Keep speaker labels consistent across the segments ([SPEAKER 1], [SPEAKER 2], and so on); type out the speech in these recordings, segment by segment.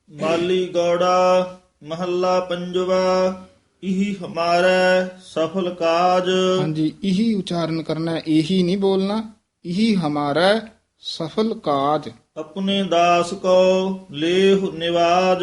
[SPEAKER 1] ਮਾਲੀ ਗੌੜਾ ਮਹੱਲਾ ਪੰਜਵਾ। ਇਹੀ ਹਮਾਰਾ ਸਫਲ ਕਾਜ।
[SPEAKER 2] ਹਾਂਜੀ, ਇਹੀ ਉਚਾਰਨ ਕਰਨਾ ਹੈ, ਇਹੀ ਨਹੀਂ ਬੋਲਣਾ। ਇਹੀ ਹਮਾਰਾ ਸਫਲ ਕਾਜ।
[SPEAKER 1] ਆਪਣੇ ਦਾਸ ਕੋ ਲੇਹ ਨਿਵਾਜ।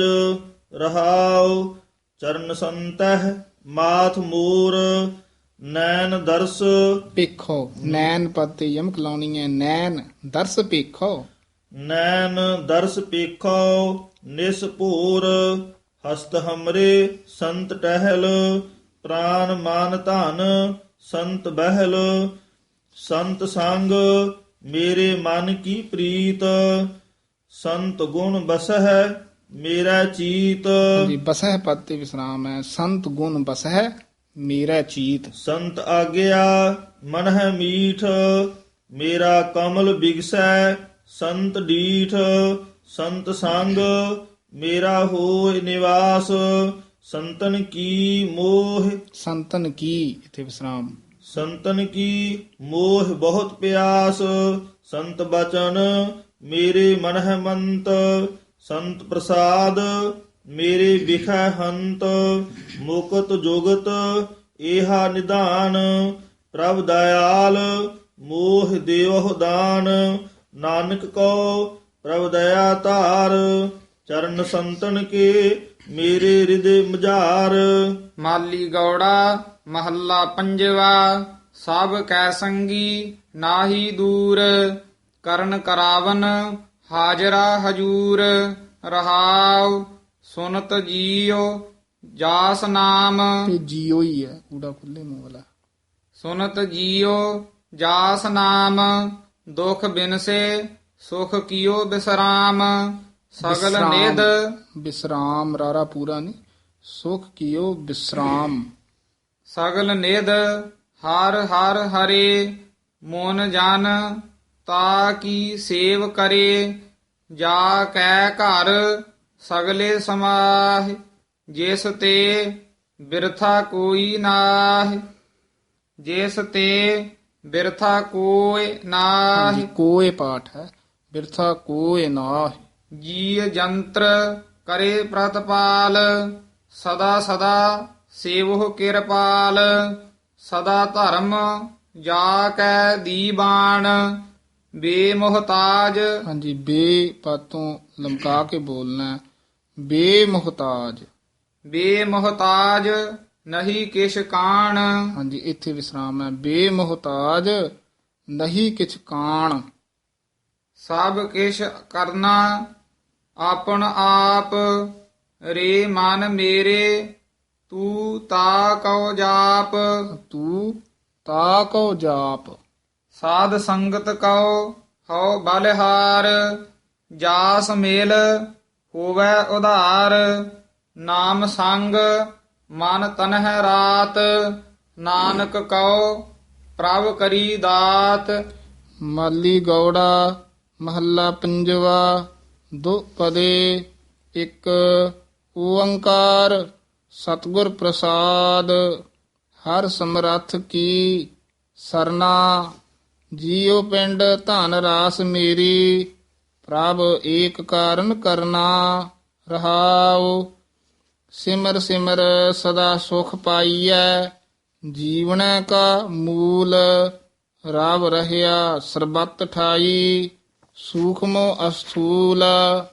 [SPEAKER 1] ਰਹਾਉ ਚਰਨ ਸੰਤਹਿ ਮਾਥ ਮੂਰ। ਨੈਣ ਦਰਸ
[SPEAKER 2] ਪੇਖੋ, ਨੈਣ ਪਦ ਤੇ ਯਮਕ ਲਾਉਣੀ ਹੈ। ਨੈਣ ਦਰਸ ਪੇਖੋ।
[SPEAKER 1] ਨੈਣ ਦਰਸ ਪੇਖੋ ਨਿਸ ਭੂਰ। ਹਸਤ ਹਮਰੇ ਸੰਤ ਟਹਿਲ। ਪ੍ਰਾਨ ਮਾਨ ਧਨ ਸੰਤ ਬਹਿਲ। ਸੰਤ ਸੰਗ ਮੇਰੇ ਮਨ ਕੀ ਪ੍ਰੀਤ। ਸੰਤ ਗੁਣ ਬਸਹਿ ਮੇਰਾ ਚੀਤ।
[SPEAKER 2] ਜੀ, ਬਸਹਿ ਪਦ ਤੇ ਵਿਸਰਾਮ ਹੈ। ਸੰਤ ਗੁਣ ਬਸਹਿ ਮੇਰਾ ਚੀਤ।
[SPEAKER 1] ਸੰਤ ਆਗਿਆ ਮਨ ਹੈ ਮੀਠ। ਮੇਰਾ ਕਮਲ ਬਿਗਸੈ ਸੰਤ ਡੀਠ। ਸੰਤ ਸੰਗ ਮੇਰਾ ਹੋਇ ਨਿਵਾਸ। ਸੰਤਨ ਕੀ ਮੋਹ
[SPEAKER 2] ਸੰਤਨ ਕੀ, ਇੱਥੇ ਵਿਸਰਾਮ।
[SPEAKER 1] ਸੰਤਨ ਕੀ ਮੋਹ ਬਹੁਤ ਪਿਆਸ। ਸੰਤ ਬਚਨ ਮੇਰੇ ਮਨ ਹੈ ਮੰਤ। ਸੰਤ ਪ੍ਰਸਾਦ ਮੇਰੇ ਵਿਖੈ ਹੰਤ। ਮੁਕਤ ਜੁਗਤ ਏਹਾ ਨਿਧਾਨ। ਪ੍ਰਭ ਦਇਆਲ ਮੋਹ ਦੇਵਹੁ ਦਾਨ। ਨਾਨਕ ਕੋ ਪ੍ਰਭ ਦਇਆ ਧਾਰ। ਚਰਨ ਸੰਤਨ ਕੇ ਮੇਰੇ ਹਿਰਦੇ ਮਝਾਰ।
[SPEAKER 3] ਮਾਲੀ ਗੌੜਾ ਮਹੱਲਾ ਪੰਜਵਾ। ਸਭ ਕੈ ਸੰਗੀ ਨਾਹੀ ਦੂਰ। ਕਰਨ ਕਰਾਵਨ ਹਾਜ਼ਰਾ ਹਜੂਰ। ਰਹਾਉ ਸੁਨਤ ਜੀਉ ਜਾਸ ਨਾਮ।
[SPEAKER 2] ਤੇ ਜੀਓ ਹੀ ਹੈ, ਕੂੜਾ ਖੁੱਲੇ ਮੂੰਹ ਵਾਲਾ।
[SPEAKER 3] ਸੁਨਤ ਜੀਉ ਜਾਸ ਨਾਮ। ਦੁਖ ਬਿਨਸੇ ਸੁਖ ਕੀਓ ਬਿਸਰਾਮ। ਸਗਲ ਨਿਧ
[SPEAKER 2] ਵਿਸਰਾਮ, ਰਾਰਾ ਪੂਰਾ ਨਹੀਂ। ਸੁਖ ਕੀਓ ਵਿਸਰਾਮ।
[SPEAKER 3] ਸਗਲ ਨਿਧ ਹਰ ਹਰ ਹਰੇ। ਮੋਨ ਜਨ ਤਾ ਕੀ ਸੇਵ ਕਰੇ। ਜਾ ਕੈ ਘਰ ਸਗਲੇ ਸਮਾਹਿ। ਜਿਸ ਤੇ ਬਿਰਥਾ ਕੋਈ ਨਾਹਿ। ਜਿਸ ਤੇ ਬਿਰਥਾ ਕੋਈ ਨਾਹਿ।
[SPEAKER 2] ਹਾਂਜੀ, ਕੋਏ ਪਾਠ ਹੈ। ਬਿਰਥਾ ਕੋਏ ਨਾਹਿ।
[SPEAKER 3] ਜੀ ਜੰਤਰ ਕਰੇ ਪ੍ਰਤਪਾਲ। ਸਦਾ ਸਦਾ ਸੇਵਹੁ ਕਿਰਪਾਲ। ਸਦਾ ਧਰਮ ਜਾ ਕੈ ਦੀਬਾਨ। ਬੇਮੁਹਤਾਜ
[SPEAKER 2] ਹਾਂਜੀ, ਬੇ ਪਦ ਤੋਂ ਲਮਕਾ ਕੇ ਬੋਲਣਾ ਹੈ। ਬੇਮੁਹਤਾਜ।
[SPEAKER 3] ਬੇਮੁਹਤਾਜ ਨਹੀਂ ਕਿਛ ਕਾਣ।
[SPEAKER 2] ਹਾਂਜੀ, ਇੱਥੇ ਵਿਸਰਾਮ ਹੈ। ਬੇਮੁਹਤਾਜ ਨਹੀਂ ਕਿਛ ਕਾਣ।
[SPEAKER 3] ਸਭ ਕਿਛ ਕਰਨਾ ਆਪਨ ਆਪ। ਰੇ ਮਨ ਮੇਰੇ ਤੂੰ ਤਾ ਕਉ ਜਾਪ।
[SPEAKER 2] ਤੂੰ ਤਾ ਕਉ ਜਾਪ।
[SPEAKER 3] ਸਾਧ ਸੰਗਤ ਕਉ ਹਉ ਬਲਿਹਾਰ। ਜਾਸ ਮੇਲ ਹੋਵੈ ਉਧਾਰ। ਨਾਮ ਸੰਗ ਮਨ ਤਨਹਿ ਰਾਤ। ਨਾਨਕ ਕਉ ਪ੍ਰਭ ਕਰੀ ਦਾਤ।
[SPEAKER 2] ਮਾਲੀ ਗੌੜਾ ਮਹੱਲਾ ਪੰਜਵਾ। ਦੋ ਪਦੇ ਇੱਕ ਓੰਕਾਰ। ਸਤਿਗੁਰ ਪ੍ਰਸਾਦ ਹਰ ਸਮਰੱਥ ਕੀ ਸਰਨਾ। ਜੀਉ ਪਿੰਡ ਧਨ ਰਾਸ ਮੇਰੀ। ਪ੍ਰਭ ਏਕ ਕਾਰਨ ਕਰਨਾ। ਰਹਾਉ ਸਿਮਰ ਸਿਮਰ ਸਦਾ ਸੁਖ ਪਾਈਐ। ਜੀਵਨੈ ਕਾ ਮੂਲ ਰਵ ਰਹਿਆ ਸਰਬਤ ਠਾਈ। ਸੂਖਮੋ ਅਸਥੂਲ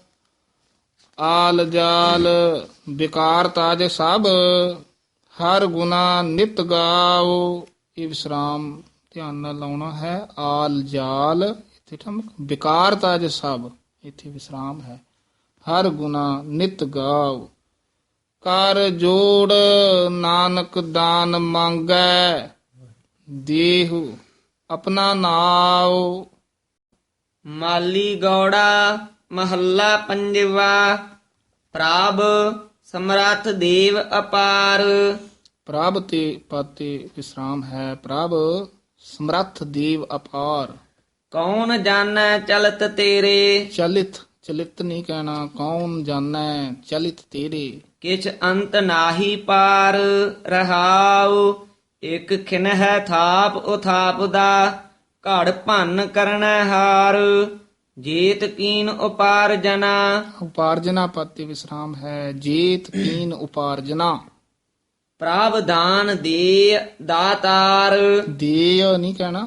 [SPEAKER 2] ਆਲ ਜਾਲ। ਵਿਕਾਰ ਤਾਜ ਸਭ ਹਰ ਗੁਨਾ ਨਿਤ ਗਾਓ। ਇਹ ਵਿਸਰਾਮ ਧਿਆਨ ਨਾਲ ਲਾਉਣਾ ਹੈ। ਆਲ ਜਾਲ ਇੱਥੇ ਠਮਕ। ਵਿਕਾਰ ਤਾਜ ਸਭ ਇੱਥੇ ਵਿਸਰਾਮ ਹੈ। ਹਰ ਗੁਨਾ ਨਿਤ ਗਾਓ। ਕਰ ਜੋੜ ਨਾਨਕ ਦਾਨ ਮੰਗੈ। ਦੇਹੁ ਆਪਣਾ ਨਾਉ।
[SPEAKER 4] ਮਾਲੀ ਗੌੜਾ ਮਹੱਲਾ ਪੰਜਵਾ। ਪ੍ਰਭ ਸਮਰੱਥ ਦੇਵ ਅਪਾਰ।
[SPEAKER 2] ਪ੍ਰਭ ਤੇ ਪਦ ਤੇ ਵਿਸਰਾਮ ਹੈ। ਪ੍ਰਭ ਸਮਰੱਥ ਦੇਵ ਅਪਾਰ।
[SPEAKER 4] ਕੌਣ ਜਾਣੈ ਚਲਤ ਤੇਰੇ।
[SPEAKER 2] ਚਲਿਤ, ਚਲਿਤ ਨਹੀਂ ਕਹਿਣਾ। ਕੌਣ ਜਾਣੈ ਚਲਿਤ ਤੇਰੇ।
[SPEAKER 4] ਕਿਛ ਅੰਤ ਨਾਹੀ ਪਾਰ। ਰਹਾਉ ਇਕ ਖਿਨਹਿ ਥਾਪ ਉਥਾਪ ਦਾ। ਘੜ ਭੰਨ ਕਰਨੈ ਹਾਰ। ਜੇਤ ਕੀਨ ਉਪਾਰਜਨਾ।
[SPEAKER 2] ਉਪਾਰਜਨਾ ਪਦ ਤੇ ਵਿਸਰਾਮ ਹੈ। ਜੇਤ ਕੀਨ ਉਪਾਰਜਨਾ।
[SPEAKER 4] ਪ੍ਰਭ ਦਾਨ ਦੇ ਦਾਤਾਰ।
[SPEAKER 2] ਦੇ ਨਹੀਂ ਕਹਿਣਾ,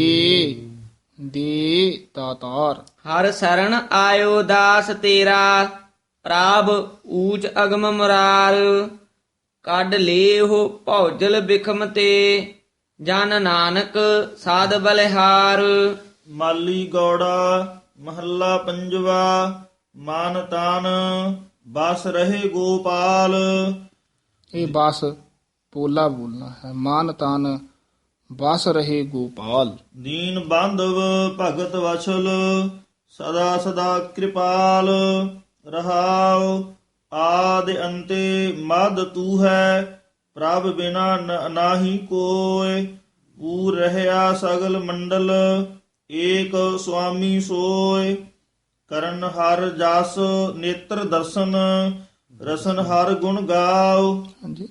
[SPEAKER 2] ਦੇ ਦਾਤਾਰ।
[SPEAKER 4] ਹਰ ਸਰਣ ਆਇਓ ਦਾਸ ਤੇਰਾ। ਪ੍ਰਭ ਊਚ ਅਗਮ ਮੁਰਾਰ। ਕੱਢ ਲੇਹੁ ਭੌਜਲ ਬਿਖਮ ਤੇ। ਜਨ ਨਾਨਕ ਸਾਧ ਬਲਿਹਾਰ।
[SPEAKER 1] ਮਾਲੀ ਗੌੜਾ ਮਹੱਲਾ ਪੰਜਵਾ। ਮਨ ਤਨ ਬਸ ਰਹੇ ਗੋਪਾਲ।
[SPEAKER 2] ਇਹ ਬਸ ਪੋਲਾ ਬੋਲਣਾ ਹੈ। ਮਾਨ ਤਨ ਬਸ ਰਹੇ ਗੋਪਾਲ।
[SPEAKER 1] ਦੀਨ ਬਾਂਧਵ ਭਗਤ ਵਛਲ ਸਦਾ ਸਦਾ ਕਿਰਪਾਲ। ਰਹਾਉ ਆਦਿ ਅੰਤੇ ਮਦ ਤੂ ਹੈ। ਪ੍ਰਭ ਬਿਨਾ ਨਾਹੀ ਕੋਇ। ਪੂਰ ਰਹਿਆ ਸਗਲ ਮੰਡਲ ਏਕ ਸੁਆਮੀ ਸੋਇ। ਕਰਨ ਹਰ ਜਸ ਨੇਤਰ ਦਰਸ਼ਨ ਰਸਨ ਹਰ ਗੁਣ ਗਾਓ।
[SPEAKER 2] ਹਾਂਜੀ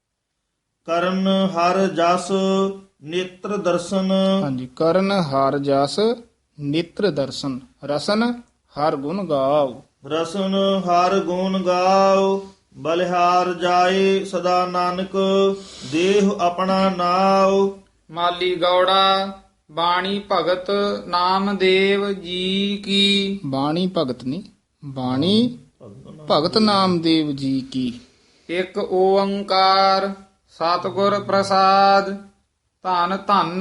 [SPEAKER 1] ਕਰਨ ਹਰ ਜਸ ਨੇਤਰ ਦਰਸ਼ਨ
[SPEAKER 2] ਹਾਂਜੀ। ਕਰਨ ਹਰ ਜਸ ਨੇਤਰ ਦਰਸ਼ਨ ਰਸਨ ਹਰ ਗੁਣ ਗਾਓ।
[SPEAKER 1] ਰਸਨ ਹਰ ਗੁਣ ਗਾਓ। ਬਲਿਹਾਰ ਜਾਏ ਸਦਾ ਨਾਨਕ ਦੇਹ ਆਪਣਾ ਨਾਉ।
[SPEAKER 3] ਮਾਲੀ ਗੌੜਾ ਬਾਣੀ ਭਗਤ ਨਾਮਦੇਵ ਜੀ ਕੀ।
[SPEAKER 2] ਬਾਣੀ ਭਗਤ ਨਹੀਂ, ਬਾਣੀ ਭਗਤ ਨਾਮਦੇਵ ਜੀ ਕੀ।
[SPEAKER 3] ਇੱਕ ਓੰਕਾਰ ਸਤਿਗੁਰ ਪ੍ਰਸਾਦ। ਧੰਨ ਧੰਨ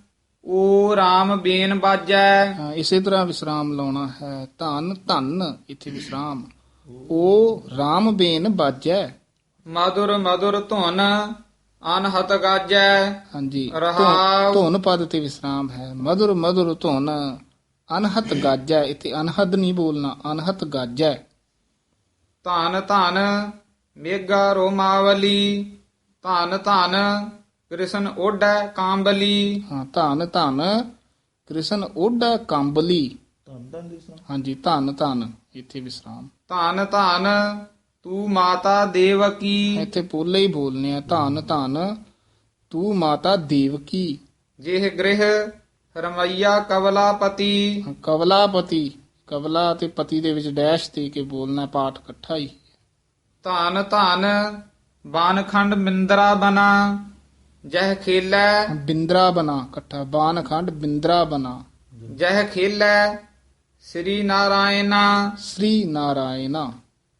[SPEAKER 3] ਓ ਰਾਮ ਬੇਨ ਬਾਜੈ।
[SPEAKER 2] ਹਾਂ, ਇਸੇ ਤਰ੍ਹਾਂ ਵਿਸਰਾਮ ਲਾਉਣਾ ਹੈ। ਧੰਨ ਧੰਨ ਇੱਥੇ ਵਿਸਰਾਮ। ਉਹ ਰਾਮ ਬੇਨ ਬਾਜੈ।
[SPEAKER 3] ਮధుਰ ਮధుਰ ਧੁਨ ਅਨਹਤ ਗਾਜੈ।
[SPEAKER 2] ਹਾਂਜੀ
[SPEAKER 3] ਰਹਾਉ।
[SPEAKER 2] ਧੁਨ ਪਦ ਤੇ ਵਿਸਰਾਮ ਹੈ। ਮధుਰ ਮధుਰ ਧੁਨ ਅਨਹਤ ਗਾਜੈ। ਇੱਥੇ ਅਨਹਦ ਨਹੀਂ ਬੋਲਣਾ, ਅਨਹਤ ਗਾਜੈ।
[SPEAKER 3] ਧਨ ਧਨ ਮੇਗਾ ਰੋਮਾਵਲੀ। ਧਨ ਧਨ ਕ੍ਰਿਸ਼ਨ ਓਢੈ ਕਾਂਬਲੀ।
[SPEAKER 2] ਹਾਂ, ਧੰਨ ਧੰਨ ਕ੍ਰਿਸ਼ਨ ਓਢਾ ਕੰਬਲੀ। ਹਾਂਜੀ, ਧੰਨ ਧੰਨ ਇੱਥੇ ਵਿਸਰਾਮ।
[SPEAKER 3] ਧਨ ਧਨ ਤੂੰ ਮਾਤਾ ਦੇਵਕੀ।
[SPEAKER 2] ਇੱਥੇ ਪੋਲੇ ਹੀ ਬੋਲਨੇ ਆ। ਧੰਨ ਧੰਨ ਤੂੰ ਮਾਤਾ ਦੇਵਕੀ।
[SPEAKER 3] ਜਿਹ ਗ੍ਰਹਿ ਰਮਈਆ ਕਵਲਾਪਤੀ।
[SPEAKER 2] ਕਵਲਾਪਤੀ, ਕਵਲਾ ਤੇ ਪਤੀ ਦੇ ਵਿੱਚ ਡੈਸ਼ ਦੇ ਕੇ ਬੋਲਣਾ, ਪਾਠ ਇਕੱਠਾ ਹੀ।
[SPEAKER 3] ਧਨ ਧਨ ਬਾਨਖੰਡ ਮਿੰਦਰਾ ਬਨਾ। ਜਹ ਖੇਲੈ
[SPEAKER 2] ਬਿੰਦਰਾ ਬਨਾ ਇਕੱਠਾ। ਬਾਨ ਖੰਡ ਬਿੰਦਰਾ ਬਨਾ।
[SPEAKER 3] ਜਹ ਖੇਲੈ ਸ੍ਰੀ ਨਾਰਾਇਣਾ।
[SPEAKER 2] ਸ੍ਰੀ ਨਾਰਾਇਣਾ।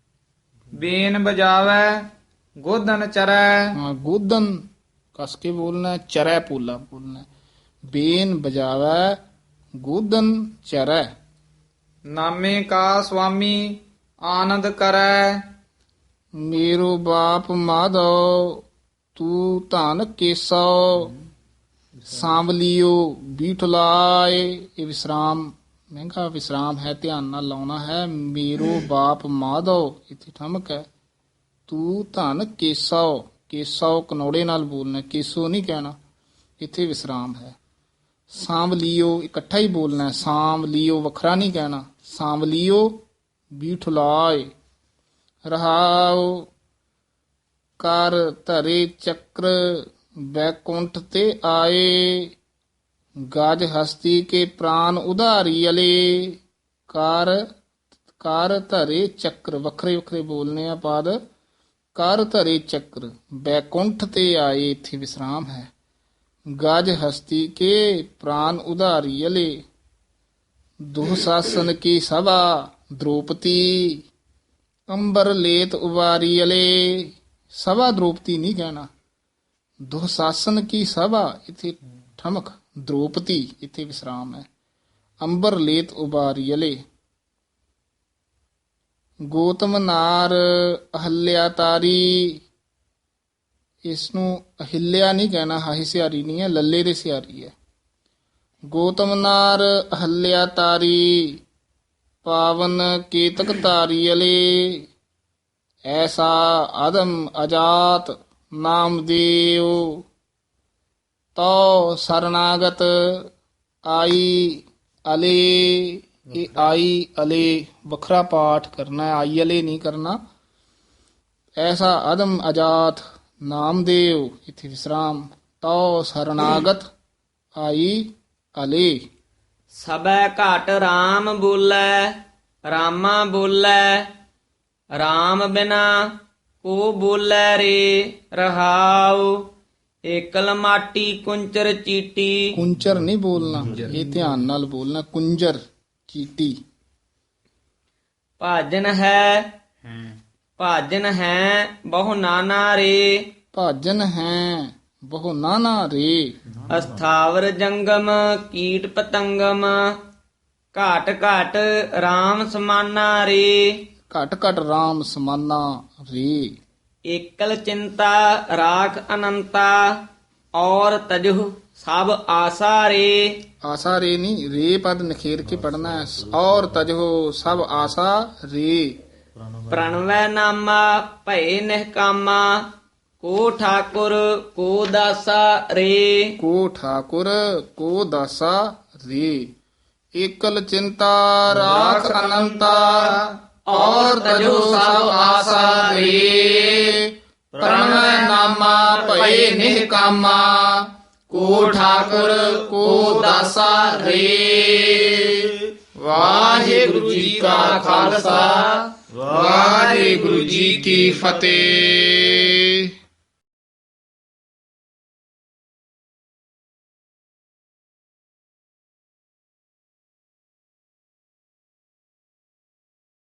[SPEAKER 3] ਬੇਨ ਬਜਾਵੈ ਗੋਦਨ ਚਰੈ।
[SPEAKER 2] ਹਾਂ, ਗੋਦਨ ਕਸ ਕੇ ਬੋਲਣਾ, ਚਰੈ ਪੋਲਾ ਬੋਲਣਾ। ਬੇਨ ਬਜਾਵੈ ਗੋਦਨ ਚਰੈ।
[SPEAKER 3] ਨਾਮੇ ਕਾ ਸੁਆਮੀ ਆਨੰਦ ਕਰੈ।
[SPEAKER 2] ਮੇਰੋ ਬਾਪ ਮਾਧੋ ਤੂੰ ਧਨ ਕੇਸੋ। ਸਾਂਵਲਿਓ ਬੀਠਲਾਏ। ਇਹ ਵਿਸਰਾਮ ਮਹਿੰਗਾ ਵਿਸਰਾਮ ਹੈ, ਧਿਆਨ ਨਾਲ ਲਾਉਣਾ ਹੈ। ਮੇਰੋ ਬਾਪ ਮਾਧੋ ਇੱਥੇ ਠਮਕ ਹੈ। ਤੂੰ ਧਨ ਕੇਸੋ। ਕੇਸੋ ਕਨੌੜੇ ਨਾਲ ਬੋਲਣਾ, ਕੇਸੋ ਨਹੀਂ ਕਹਿਣਾ। ਇੱਥੇ ਵਿਸਰਾਮ ਹੈ। ਸਾਂਵਲਿਓ ਇਕੱਠਾ ਹੀ ਬੋਲਣਾ। ਸਾਂਵਲਿਓ ਵੱਖਰਾ ਨਹੀਂ ਕਹਿਣਾ। ਸਾਂਵਲਿਓ ਬੀਠਲਾਏ। ਰਹਾਉ ਕਰ ਧਰੇ ਚੱਕਰ ਬੈਕੁੰਠ ਤੇ ਆਏ। ਗਜ ਹਸਤੀ ਕੇ ਪ੍ਰਾਨ ਉਧਾਰੀ ਅਲੇ। ਕਰ ਧਰੇ ਚੱਕਰ ਵੱਖਰੇ ਵੱਖਰੇ ਬੋਲਨੇ ਆ ਪਦ। ਕਰ ਧਰੇ ਚੱਕਰ ਬੈਕੁੰਠ ਤੇ ਆਏ। ਇੱਥੇ ਵਿਸਰਾਮ ਹੈ। ਗਜ ਹਸਤੀ ਕੇ ਪ੍ਰਾਨ ਉਧਾਰੀ ਅਲੇ। ਦੁਸਾਸਨ ਕੀ ਸਭਾ ਦ੍ਰੋਪਤੀ। ਅੰਬਰ ਲੇਤ ਉਵਾਰੀ ਅਲੇ। ਸਭਾ ਦ੍ਰੋਪਤੀ ਨਹੀਂ ਕਹਿਣਾ। ਦੁਸਾਸਨ ਕੀ ਸਭਾ ਇੱਥੇ ਠਮਕ। ਦ੍ਰੋਪਤੀ ਇੱਥੇ ਵਿਸਰਾਮ ਹੈ। ਅੰਬਰ ਲੇਤ ਉਬਾਰੀ ਅਲੇ। ਗੋਤਮ ਨਾਰ ਅਹਲਿਆ ਤਾਰੀ। ਇਸ ਨੂੰ ਅਹਿਲਿਆ ਨਹੀਂ ਕਹਿਣਾ, ਹਾਹੀ ਸਿਆਰੀ ਨਹੀਂ ਹੈ, ਲੱਲੇ ਦੇ ਸਿਆਰੀ ਹੈ। ਗੋਤਮ ਨਾਰ ਅਹਲਿਆ ਤਾਰੀ। ਪਾਵਨ ਕੇਤਕ ਧਾਰੀ ਅਲੇ। ਐਸਾ ਆਦਮ ਅਜਾਤ ਨਾਮਦੇਵ। ਤੋ ਸਰਨਾਗਤ ਆਈ ਅਲੇ। ਇਹ ਆਈ ਅਲੇ ਵੱਖਰਾ ਪਾਠ ਕਰਨਾ ਹੈ, ਆਈ ਅਲੇ ਨਹੀਂ ਕਰਨਾ। ਐਸਾ ਆਦਮ ਅਜਾਤ ਨਾਮਦੇਵ ਇੱਥੇ ਵਿਸਰਾਮ। ਤੋ ਸਰਨਾਗਤ ਆਈ ਅਲੇ।
[SPEAKER 4] ਸਬੈ ਘਾਟ RAM ਬੋਲੇ ਰਾਮਾ ਬੋਲੇ RAM ਬਿਨਾ ਕੋ ਬੋਲੇ ਰੇ ਰਹਾਉ ਏਕਲ ਮਾਟੀ ਕੁੰਚਰ ਚੀਟੀ
[SPEAKER 2] ਕੁੰਚਰ ਨਹੀਂ ਬੋਲਣਾ, ਇਹ ਧਿਆਨ ਨਾਲ ਬੋਲਣਾ, ਕੁੰਜਰ ਚੀਟੀ।
[SPEAKER 4] ਭਾਜਨ ਹੈ ਬਹੁ ਨਾਨਾ ਰੇ
[SPEAKER 2] ਭਾਜਨ ਹੈ ਬਹੁ ਨਾਨਾ ਰੇ
[SPEAKER 4] ਅਸਥਾਵਰ ਜੰਗਮ ਕੀਟ ਪਤੰਗਮ ਘਾਟ ਘਾਟ RAM ਸਮਾਨਾ ਰੇ
[SPEAKER 2] ਘਟ ਘਟ RAM ਸਮਾਨਾ ਰੇ
[SPEAKER 4] ਏਕਲ ਚਿੰਤਾ ਰਾਖ ਅਨੰਤਾ ਔਰ ਤਜੁ ਸਭ ਆਸਾ ਰੇ
[SPEAKER 2] ਆਸਾ ਰੇ ਨਹੀਂ, ਰੇ ਪਦ ਨਖੇਰ ਕੇ ਪੜਨਾ ਹੈ। ਔਰ ਤਜੋ ਸਭ ਆਸਾ ਰੇ
[SPEAKER 4] ਪ੍ਰਣਵੈ ਨਾਮਾ ਭਏ ਨਿਹਕਾਮਾ ਕੋ ਠਾਕੁਰ ਕੋ ਦਾਸਾ ਰੇ
[SPEAKER 2] ਕੋ ਠਾਕੁਰ ਕੋ ਦਾਸਾ ਰੇ ਏਕਲ ਚਿੰਤਾ ਰਾਖ ਅਨੰਤਾ ਔਰ ਤਜੋ ਸਭ ਆਸਾ ਰੇ ਪ੍ਰਣਵੈ ਨਾਮਾ ਭਏ ਨਿਹਕਾਮਾ ਕੋ ਠਾਕੁਰ ਕੋ ਦਾਸਾ ਰੇ। ਵਾਹਿਗੁਰੂ ਜੀ ਕਾ ਖਾਲਸਾ ਵਾਹਿਗੁਰੂ ਜੀ ਕੀ ਫਤਿਹ।